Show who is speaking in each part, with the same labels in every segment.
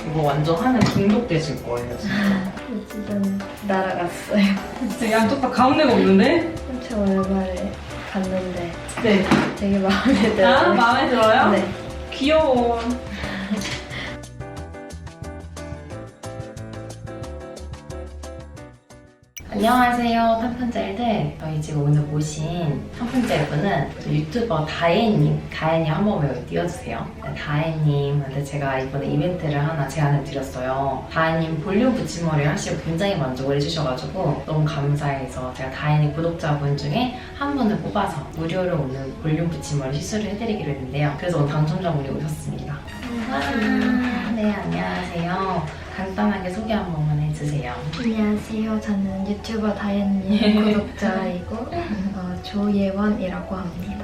Speaker 1: 이거 완전 하면 중독되실 거예요, 진짜.
Speaker 2: 지금 날아갔어요.
Speaker 1: 진짜 양쪽 다 가운데가 없는데?
Speaker 2: 엄청 오랜만에 갔는데
Speaker 1: 네.
Speaker 2: 되게 마음에 들어요.
Speaker 1: 아, 마음에 들어요?
Speaker 2: 네.
Speaker 1: 귀여워. 안녕하세요, 탐펀젤들. 저희 지금 오늘 모신 탐펀젤분은 유튜버 다혜님. 다혜님 한 번만 여기 띄워주세요. 네, 다혜님한테 제가 이번에 이벤트를 하나 제안을 드렸어요. 다혜님 볼륨 붙임머리 하시고 굉장히 만족을 해주셔가지고 너무 감사해서 제가 다혜님 구독자분 중에 한 분을 뽑아서 무료로 오늘 볼륨 붙임머리 시술을 해드리기로 했는데요. 그래서 오늘 당첨자분이 오셨습니다. 네, 안녕하세요. 간단하게 소개 한 번만 해주세요.
Speaker 2: 안녕하세요. 저는 유튜버 다혜님 구독자이고 조예원이라고 합니다.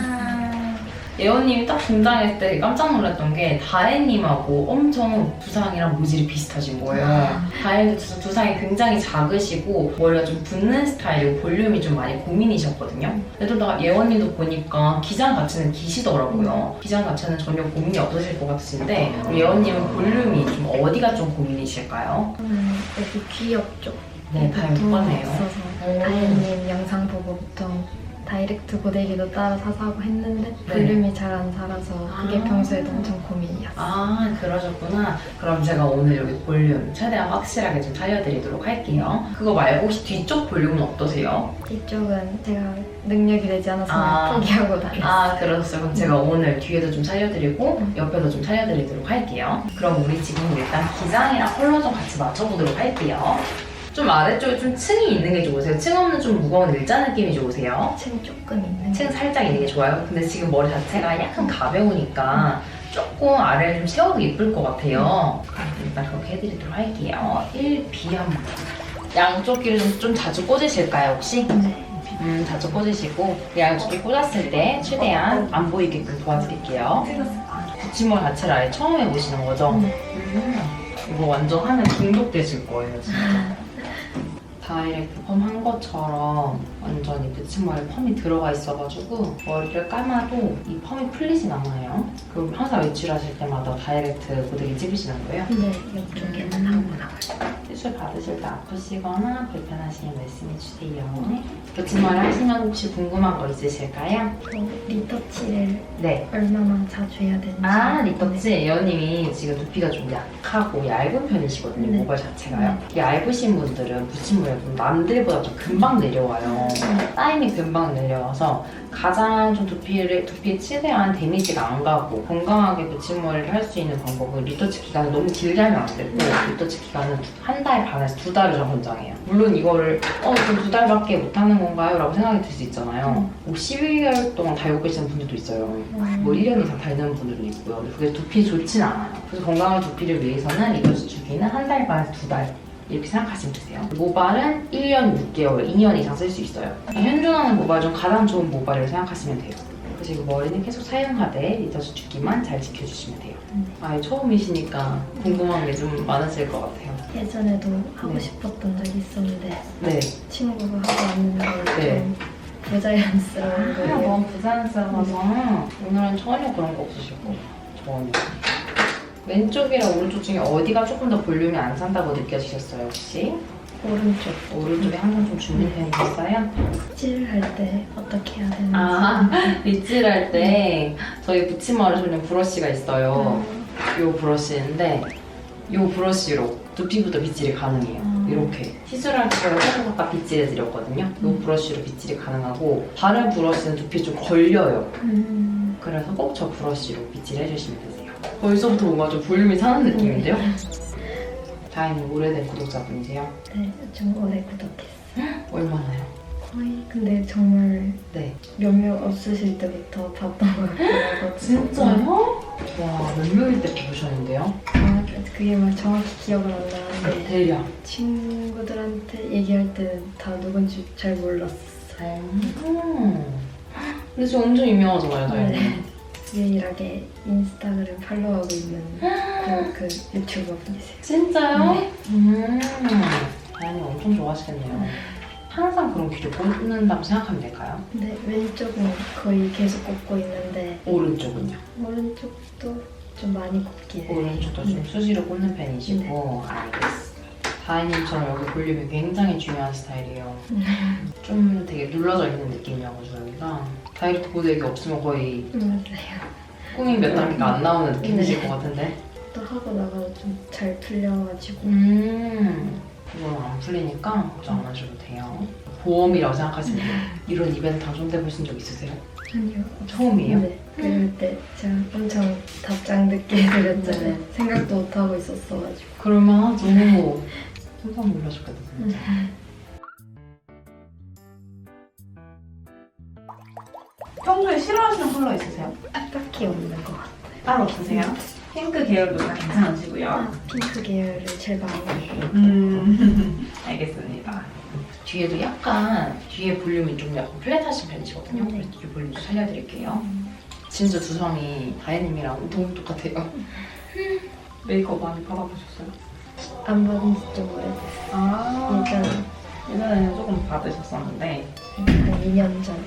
Speaker 1: 예원님이 딱 등장했을 때 깜짝 놀랐던 게 다혜님하고 엄청 두상이랑 모질이 비슷하신 거예요. 다혜님도 두상이 굉장히 작으시고 머리가 좀 붓는 스타일이고 볼륨이 좀 많이 고민이셨거든요. 근데 또 예원님도 보니까 기장 자체는 기시더라고요. 기장 자체는 전혀 고민이 없으실 것 같으신데 예원님은 볼륨이 좀 어디가 좀 고민이실까요?
Speaker 2: 여기 귀 옆쪽.
Speaker 1: 네, 다 예뻐네요.
Speaker 2: 있어서 다혜님 영상 보고 보통 다이렉트 고데기도 따로 사서 하고 했는데 볼륨이 잘 안 살아서 그게 평소에도 엄청 고민이었어요.
Speaker 1: 아, 그러셨구나. 그럼 제가 오늘 여기 볼륨 최대한 확실하게 좀 살려드리도록 할게요. 그거 말고 혹시 뒤쪽 볼륨은 어떠세요?
Speaker 2: 이쪽은 제가 능력이 되지 않아서 포기하고 다녔어요.
Speaker 1: 아, 그러셨어요. 그럼 제가 오늘 뒤에도 좀 살려드리고 옆에도 좀 살려드리도록 할게요. 그럼 우리 지금 일단 기장이랑 컬러 좀 같이 맞춰보도록 할게요. 좀 아래쪽에 좀 층이 있는 게 좋으세요? 층 없는 좀 무거운 일자 느낌이 좋으세요?
Speaker 2: 층 조금 있는
Speaker 1: 층 살짝 있는 게 좋아요. 근데 지금 머리 자체가 약간 가벼우니까 조금 아래를 좀 세워도 예쁠 것 같아요. 일단 그렇게 해드리도록 할게요. 1B 한번. 양쪽 귀를 좀 자주 꽂으실까요, 혹시?
Speaker 2: 네.
Speaker 1: 자주 꽂으시고 양쪽 귀 꽂았을 때 최대한 안 보이게끔 도와드릴게요. 붙임머리 자체를 아예 처음 해보시는 거죠? 이거 완전 하면 중독되실 거예요, 진짜. 다이렉트 펌 한 것처럼 완전히 붙임머리 펌이 들어가 있어가지고 머리를 감아도 이 펌이 풀리진 않아요. 그럼 항상 외출하실 때마다 다이렉트 고데기 찝으시는 거예요?
Speaker 2: 네, 이쪽에는 하고 나가요.
Speaker 1: 시술 받으실 때 아프시거나 불편하시면 말씀해주세요. 붙임머리 하시면 혹시 궁금한 거 있으실까요?
Speaker 2: 리터치를
Speaker 1: 네.
Speaker 2: 얼마나 자주 해야 되는지.
Speaker 1: 아, 리터치. 예원님이 지금 두피가 좀 약하고 얇은 편이시거든요,
Speaker 2: 네.
Speaker 1: 모발 자체가요. 얇으신 분들은 붙임머리가 좀 남들보다 좀 금방 내려와요. 타임이 금방 내려와서 가장 좀 두피에 최대한 데미지가 안 가고 건강하게 붙임머리를 할 수 있는 방법은 리터치 기간을 너무 길게 하면 안 되고 리터치 기간은 한 달 반에서 2달을 좀 권장해요. 물론 이거를 좀 2달밖에 못하는 건가요? 라고 생각이 들 수 있잖아요. 뭐 12개월 동안 달고 계시는 분들도 있어요. 뭐 1년 이상 달는 분들도 있고요. 근데 그게 두피에 좋진 않아요. 그래서 건강한 두피를 위해서는 리터치 주기는 한 달 반에서 2달 이렇게 생각하시면 되세요. 모발은 1년 6개월, 2년 이상 쓸 수 있어요. 현존하는 모발 중 가장 좋은 모발이라고 생각하시면 돼요. 그리고 머리는 계속 사용하되 리터치 주기만 잘 지켜주시면 돼요. 아예 처음이시니까 궁금한 게 좀 많으실 것 같아요.
Speaker 2: 예전에도 하고 싶었던 적이 있었는데
Speaker 1: 네.
Speaker 2: 친구가 하고 왔는데
Speaker 1: 네.
Speaker 2: 좀 부자연스러운 거예요.
Speaker 1: 너무 부자연스러워서 오늘은 전혀 그런 거 없으실 거예요. 전혀. 왼쪽이랑 오른쪽 중에 어디가 조금 더 볼륨이 안 산다고 느껴지셨어요, 혹시?
Speaker 2: 오른쪽.
Speaker 1: 오른쪽에 항상 좀 주는 편이셨어요?
Speaker 2: 칠할 때 어떻게 해야 되는지.
Speaker 1: 빗질할 때 저희 붙임머리 전용 브러쉬가 있어요. 요 브러쉬인데 요 브러쉬로 두피부터 빗질이 가능해요. 이렇게 시술할 때 제가 조금 아까 빗질해드렸거든요. 요 브러쉬로 빗질이 가능하고 다른 브러쉬는 두피에 좀 걸려요. 그래서 꼭 저 브러쉬로 빗질해주시면 되세요. 벌써부터 뭔가 좀 볼륨이 사는 느낌인데요? 다행히 오래된 구독자분이세요?
Speaker 2: 네, 좀 오래 구독했어요.
Speaker 1: 얼마나요?
Speaker 2: 거의 근데 정말
Speaker 1: 네.
Speaker 2: 몇몇 없으실 때부터 봤던 것 같아요.
Speaker 1: 진짜요? 와, 몇 명일 때 보셨는데요?
Speaker 2: 그게 막 정확히 기억은 안 나는데
Speaker 1: 대략.
Speaker 2: 친구들한테 얘기할 때는 다 누군지 잘 몰랐어요.
Speaker 1: 근데 지금 엄청 유명하잖아요, 다행히.
Speaker 2: 네. 유일하게 인스타그램 팔로우하고 있는 그 유튜버 분이세요.
Speaker 1: 진짜요?
Speaker 2: 네.
Speaker 1: 다행히 엄청 좋아하시겠네요. 항상 그런 귀를 꽂는다고 생각하면 될까요?
Speaker 2: 근데 왼쪽은 거의 계속 꽂고 있는데
Speaker 1: 오른쪽은요?
Speaker 2: 오른쪽도 좀 많이 곱게.
Speaker 1: 오른쪽도 좀 수시로 꽂는 편이시고 알겠어. 다혜님처럼 여기 볼륨이 굉장히 중요한 스타일이에요. 좀 되게 눌러져 있는 느낌이어가지고 여기가 다이렉트 고데기 없으면 거의
Speaker 2: 맞아요.
Speaker 1: 꾸민 몇 단계가 안 나오는 느낌이실 것 같은데.
Speaker 2: 또 하고 나가도 좀 잘 풀려가지고.
Speaker 1: 이건 안 풀리니까 걱정 안 하셔도 돼요. 보험이라고 생각하시면 돼요. 이런 이벤트 당첨돼 보신 적 있으세요?
Speaker 2: 아니요.
Speaker 1: 처음이에요?
Speaker 2: 네. 그럴 때 제가 엄청 답장 늦게 드렸잖아요.
Speaker 1: 네.
Speaker 2: 생각도 못 하고 있었어가지고.
Speaker 1: 그러면 너무 깜짝 놀라셨겠다 진짜.
Speaker 3: 평소에 싫어하시는 컬러 있으세요?
Speaker 2: 딱히 없는 것 같아요.
Speaker 3: 따로 없으세요? 핑크 계열도 다 괜찮으시고요.
Speaker 2: 핑크 계열을 제일 많이 해요.
Speaker 3: 알겠습니다.
Speaker 1: 뒤에도 약간 뒤에 볼륨이 좀 약간 플랫하신 편이시거든요.
Speaker 2: 네.
Speaker 1: 그래서 뒤 볼륨 좀 살려드릴게요. 진짜 두상이 다혜님이랑 너무 똑같아요.
Speaker 3: 메이크업 많이 받아보셨어요?
Speaker 2: 안 받은 지 좀 오래됐어요.
Speaker 3: 아,
Speaker 2: 예전에
Speaker 3: 예전에는 조금 받으셨었는데
Speaker 2: 한 2년 전에.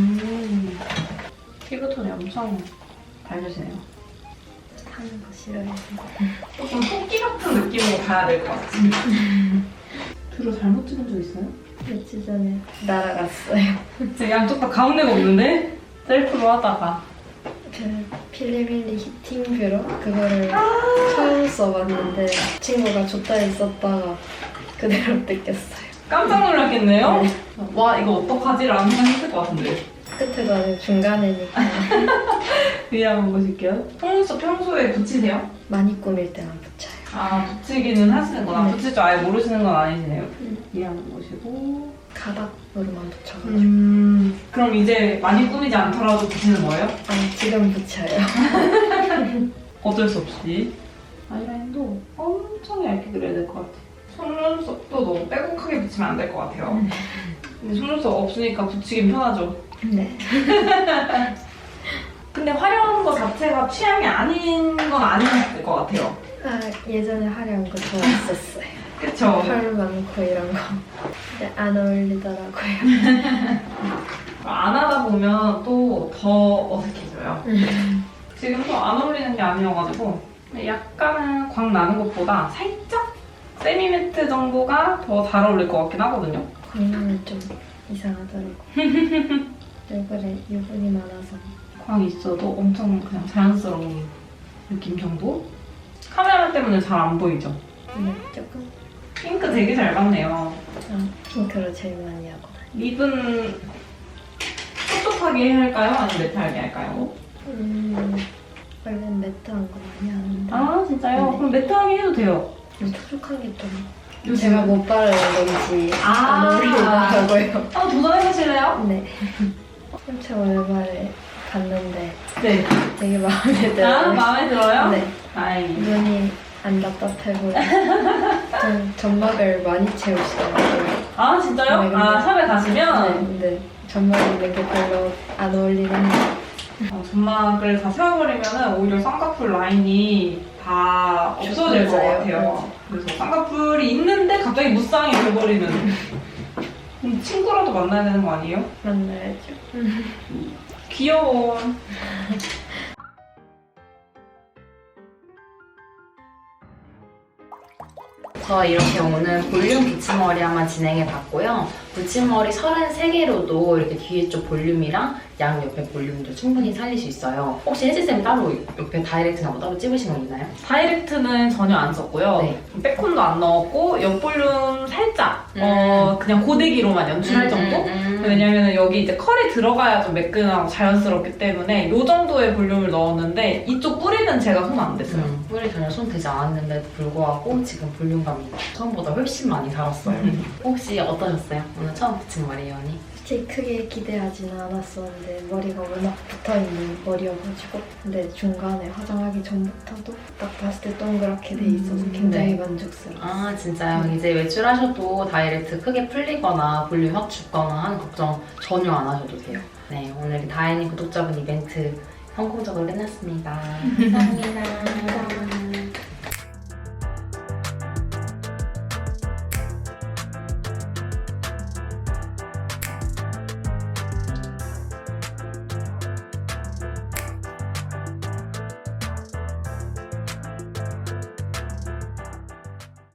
Speaker 3: 피부톤이 엄청 밝으시네요.
Speaker 2: 하는 거 싫어해서.
Speaker 3: 조금 토끼 같은 느낌으로 가야 될 것 같아요. 뷰를 잘못 찍은 적 있어요?
Speaker 2: 며칠 전에 날아갔어요.
Speaker 3: 제 양쪽 다 가운데가 없는데? 셀프로 하다가
Speaker 2: 그 필리밀리 히팅 뷰러 그거를 처음 써봤는데 친구가 좋다 했었다가 그대로 뺏겼어요.
Speaker 3: 깜짝 놀랐겠네요?
Speaker 2: 네.
Speaker 3: 와 이거 어떡하지라는 생각했을 것 같은데.
Speaker 2: 끝에도 아니고 중간에니까
Speaker 3: 위에 한번 보실게요. 속눈썹 평소에 붙이세요?
Speaker 2: 많이 꾸밀 때만 붙여요.
Speaker 3: 아 붙이기는 하시는구나.
Speaker 2: 네.
Speaker 3: 붙일 줄 아예 모르시는 건 아니시네요. 위에 한번 보시고.
Speaker 2: 가닥으로만 붙여가지고.
Speaker 3: 그럼 이제 많이 꾸미지 않더라도 붙이는 거예요?
Speaker 2: 아니 지금 붙여요.
Speaker 3: 어쩔 수 없이. 아이라인도 엄청 얇게 그려야 될 것 같아요. 속눈썹도 너무 빼곡하게 붙이면 안 될 것 같아요. 근데 속눈썹 없으니까 붙이긴 편하죠.
Speaker 2: 네.
Speaker 3: 근데 화려한 거 자체가 취향이 아닌 건 아닌 것 같아요.
Speaker 2: 아 예전에 화려한 거 좋아했었어요.
Speaker 3: 그쵸?
Speaker 2: 펄 많고 이런 거. 근데 안 어울리더라고요.
Speaker 3: 안 하다 보면 또 더 어색해져요. 지금도 안 어울리는 게 아니어가지고 약간은 광 나는 것보다 살짝 세미매트 정도가 더 잘 어울릴 것 같긴 하거든요.
Speaker 2: 광량이 좀 이상하더라고. 얼굴에 유분이 많아서.
Speaker 3: 광 있어도 엄청 그냥 자연스러운 느낌 정도? 카메라 때문에 잘 안 보이죠?
Speaker 2: 네, 조금.
Speaker 3: 핑크 되게 잘 받네요.
Speaker 2: 핑크로 제일 많이 하고.
Speaker 3: 립은 촉촉하게 할까요? 아니면 매트하게 할까요?
Speaker 2: 원래는 매트한 거 많이 하는데.
Speaker 3: 아 진짜요?
Speaker 2: 네.
Speaker 3: 그럼 매트하게 해도 돼요.
Speaker 2: 촉촉한 게 좀.
Speaker 3: 요즘-
Speaker 2: 제가 못 바르는 건지
Speaker 3: 아.
Speaker 2: 안 어울리더라고요.
Speaker 3: 한번 도전해보실래요?
Speaker 2: 네. 엄청 오랜만에 갔는데
Speaker 3: 네.
Speaker 2: 되게 마음에
Speaker 3: 아,
Speaker 2: 들어요.
Speaker 3: 마음에 들어요?
Speaker 2: 네.
Speaker 3: 다행이네.
Speaker 2: 눈이 안 답답해 보여. 좀 점막을 많이 채우시더라고요.
Speaker 3: 아, 진짜요?
Speaker 2: 네, 근데-
Speaker 3: 아, 샵에
Speaker 2: 네,
Speaker 3: 가시면
Speaker 2: 근데 점막이 있는 게 별로 안 어울리는
Speaker 3: 점막을 다 세워버리면 오히려 쌍꺼풀 라인이 다 없어질 것
Speaker 2: 맞아요.
Speaker 3: 같아요. 그래서 쌍꺼풀이 있는데 갑자기 무쌍이 돼버리는. 친구라도 만나야 되는 거 아니에요?
Speaker 2: 만나야죠.
Speaker 3: 귀여워.
Speaker 1: 저 이렇게 오늘 볼륨 붙임머리 한번 진행해봤고요. 붙임머리 33개로도 이렇게 뒤에 쪽 볼륨이랑 양 옆에 볼륨도 충분히 살릴 수 있어요. 혹시 혜지쌤 따로 옆에 다이렉트나 뭐 따로 찝으신 거 있나요?
Speaker 3: 다이렉트는 전혀 안 썼고요.
Speaker 1: 네.
Speaker 3: 백콘도 안 넣었고 옆 볼륨 살짝 그냥 고데기로만 연출할 정도? 왜냐면 여기 이제 컬이 들어가야 좀 매끈하고 자연스럽기 때문에 이 정도의 볼륨을 넣었는데 이쪽 뿌리는 제가 손 안 댔어요.
Speaker 1: 뿌리 전혀 손 대지 않았는데도 불구하고 지금 볼륨감이 처음보다 훨씬 많이 달았어요. 혹시 어떠셨어요? 오늘 처음 붙인 머리예요, 언니?
Speaker 2: 솔직히 크게 기대하지는 않았었는데 머리가 워낙 붙어있는 머리여가지고 근데 중간에 화장하기 전부터도 딱 봤을 때 동그랗게 돼 있어서 굉장히
Speaker 1: 네.
Speaker 2: 만족스러웠어요.
Speaker 1: 아 진짜요? 이제 외출하셔도 다이렉트 크게 풀리거나 볼륨 확 죽거나 하는 걱정 전혀 안 하셔도 돼요. 네, 오늘 다혜님 구독자분 이벤트 성공적으로 끝났습니다. 감사합니다.